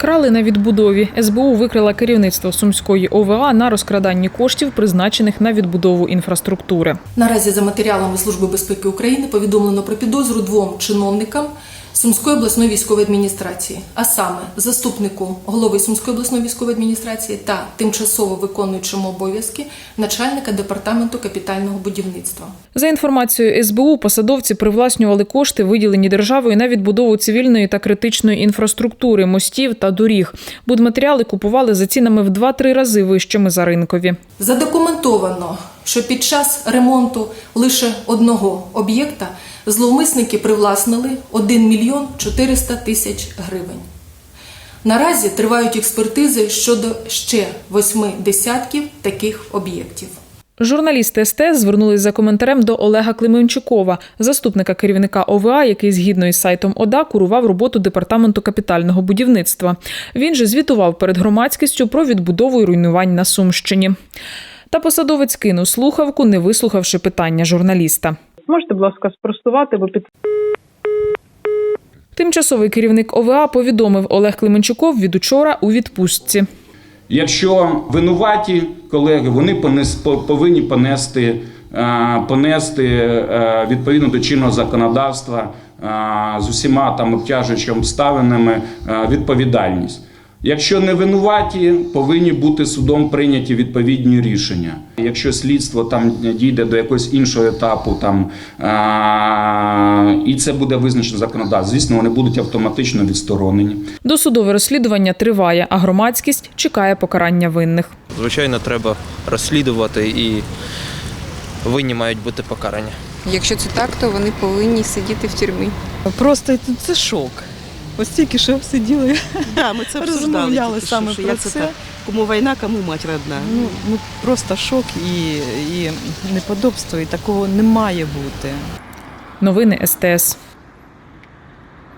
Крали на відбудові. СБУ викрила керівництво Сумської ОВА на розкраданні коштів, призначених на відбудову інфраструктури. Наразі за матеріалами Служби безпеки України повідомлено про підозру 2 чиновникам Сумської обласної військової адміністрації, а саме заступнику голови Сумської обласної військової адміністрації та тимчасово виконуючому обов'язки начальника департаменту капітального будівництва. За інформацією СБУ, посадовці привласнювали кошти, виділені державою на відбудову цивільної та критичної інфраструктури, мостів та доріг. Будматеріали купували за цінами в 2-3 рази вищими за ринкові. Задокументовано, що під час ремонту лише одного об'єкта зловмисники привласнили 1 мільйон 400 тисяч гривень. Наразі тривають експертизи щодо ще 8 десятків таких об'єктів. Журналісти СТС звернулись за коментарем до Олега Клименчукова, заступника керівника ОВА, який згідно із сайтом ОДА курував роботу департаменту капітального будівництва. Він же звітував перед громадськістю про відбудову і руйнувань на Сумщині. Та посадовець кинув слухавку, не вислухавши питання журналіста. Можете, будь ласка, спростувати, бо Тимчасовий керівник ОВА повідомив, Олег Клименчуков від учора у відпустці. Якщо винуваті колеги, вони повинні понести відповідно до чинного законодавства з усіма там обтяжуючими обставинами відповідальність. Якщо не винуваті, повинні бути судом прийняті відповідні рішення. Якщо слідство там дійде до якогось іншого етапу, і це буде визначено законодавством, звісно, вони будуть автоматично відсторонені. Досудове розслідування триває, а громадськість чекає покарання винних. Звичайно, треба розслідувати і винні мають бути покарані. Якщо це так, то вони повинні сидіти в тюрмі. Просто це шок. Ось тільки що сиділи, ми це розмовляли саме про це. Кому війна, кому мать родна. Ну, просто шок і неподобство, і такого не має бути. Новини СТС.